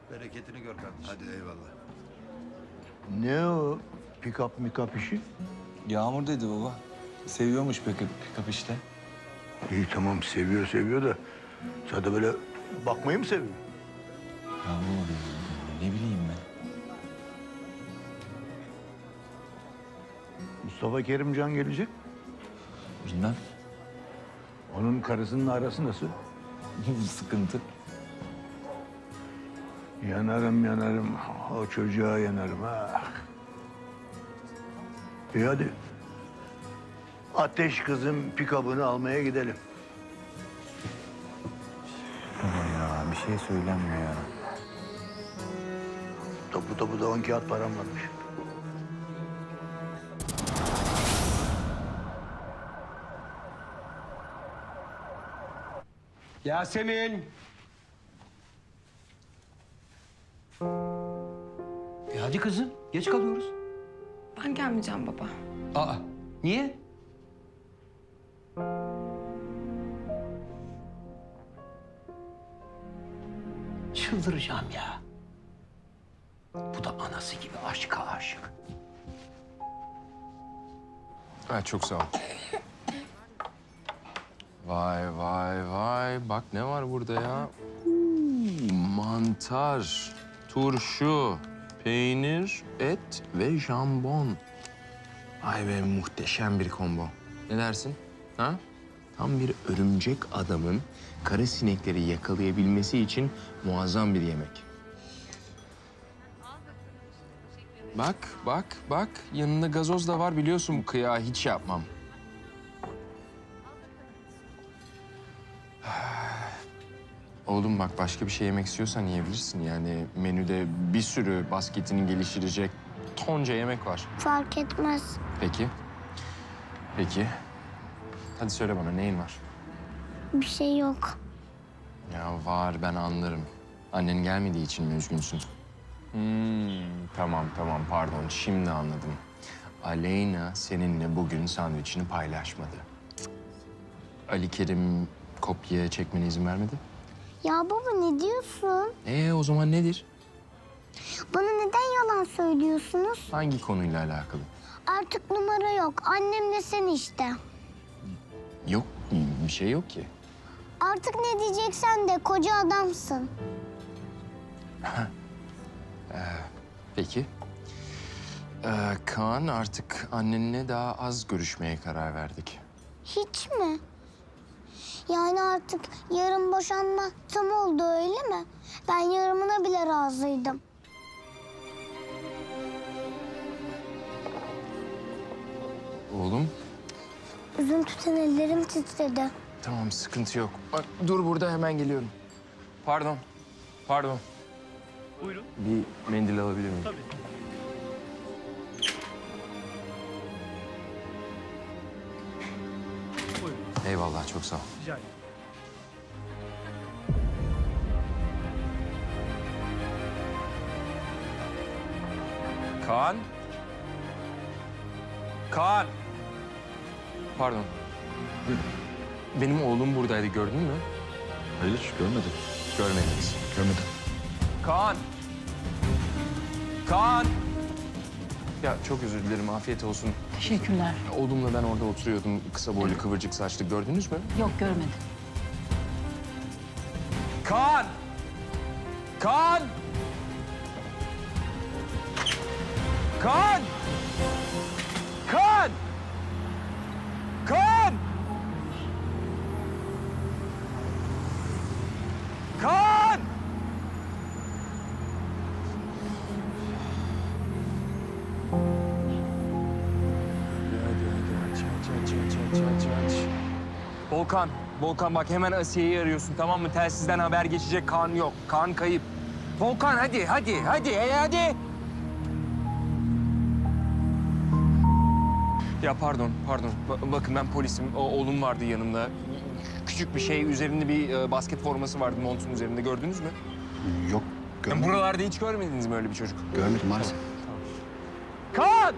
Bereketini gör kardeşim. Hadi eyvallah. Ne o pick-up işi? Yağmur dedi baba. Seviyormuş pick-up işte. İyi tamam seviyor da sadece böyle bakmayı mı seviyor? Yağmur ne bileyim ben. Mustafa Kerimcan gelecek. Bilmem. Onun karısının arası nasıl? Sıkıntı. Yanarım. O çocuğa yanarım ha. İyi hadi. Ateş kızın pick-up'ını almaya gidelim. Baba ya bir şey söylenmiyor ya. Topu da 10 kağıt param varmış. Yasemin. Hadi kızım, geç kalıyoruz. Ben gelmeyeceğim baba. Aa, niye? Çıldıracağım ya. Bu da anası gibi aşka aşık. Ha, çok sağ ol. Vay. Bak ne var burada ya? Mantar, turşu, peynir, et ve jambon. Vay be muhteşem bir combo. Ne dersin? Ha? Tam bir örümcek adamın kara sinekleri yakalayabilmesi için muazzam bir yemek. Bak. Yanında gazoz da var biliyorsun bu kıyağı hiç yapmam. Oğlum bak başka bir şey yemek istiyorsan yiyebilirsin. Yani menüde bir sürü basketini geliştirecek tonca yemek var. Fark etmez. Peki. Hadi söyle bana neyin var? Bir şey yok. Ya var ben anlarım. Annen gelmediği için mi üzgünsün? Tamam pardon şimdi anladım. Aleyna seninle bugün sandviçini paylaşmadı. Ali Kerim kopya çekmene izin vermedi. Ya baba ne diyorsun? O zaman nedir? Bana neden yalan söylüyorsunuz? Hangi konuyla alakalı? Artık numara yok. Annemle sen işte. Yok bir şey yok ki. Artık ne diyeceksen de koca adamsın. Peki. Kaan artık annenle daha az görüşmeye karar verdik. Hiç mi? Yani artık yarın boşanma tam oldu öyle mi? Ben yarımına bile razıydım. Oğlum Üzüntüden ellerim titredi. tamam sıkıntı yok. Bak dur burada hemen geliyorum. Pardon. Buyurun. Bir mendil alabilir miyim? Tabii. Buyurun. Eyvallah çok sağ ol. Rica ederim. Kaan. Pardon. Benim oğlum buradaydı gördün mü? Hayır görmedim. Görmediniz. Görmedim. Kaan! Ya çok özür dilerim, afiyet olsun. Teşekkürler. Oğlumla ben orada oturuyordum, kısa boylu, kıvırcık saçlı. Gördünüz mü? Yok görmedim. Kaan! Kaan! Kaan! Kaan! Kaan! Kaan! Aç. Volkan bak hemen Asiye'yi arıyorsun tamam mı? Telsizden haber geçecek Kaan yok. Kaan kayıp. Volkan hadi. Hadi. Ya pardon. Bakın ben polisim. Oğlum vardı yanımda. Küçük bir şey, üzerinde bir basket forması vardı montun üzerinde. Gördünüz mü? Yok görmedim. Buralarda hiç görmediniz mi öyle bir çocuk? Görmedim maalesef. Kaan!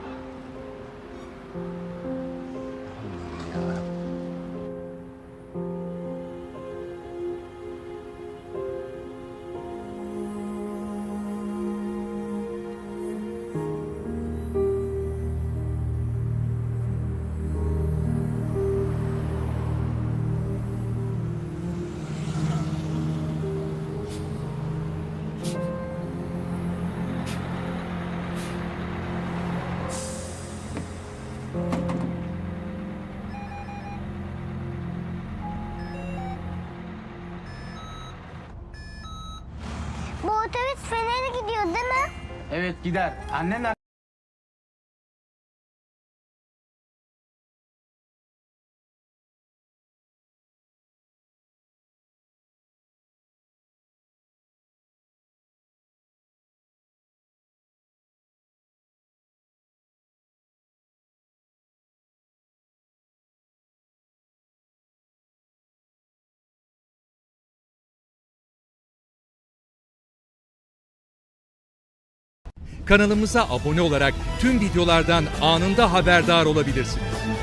gidiyor değil mi? Evet gider. Annenler Kanalımıza abone olarak tüm videolardan anında haberdar olabilirsiniz.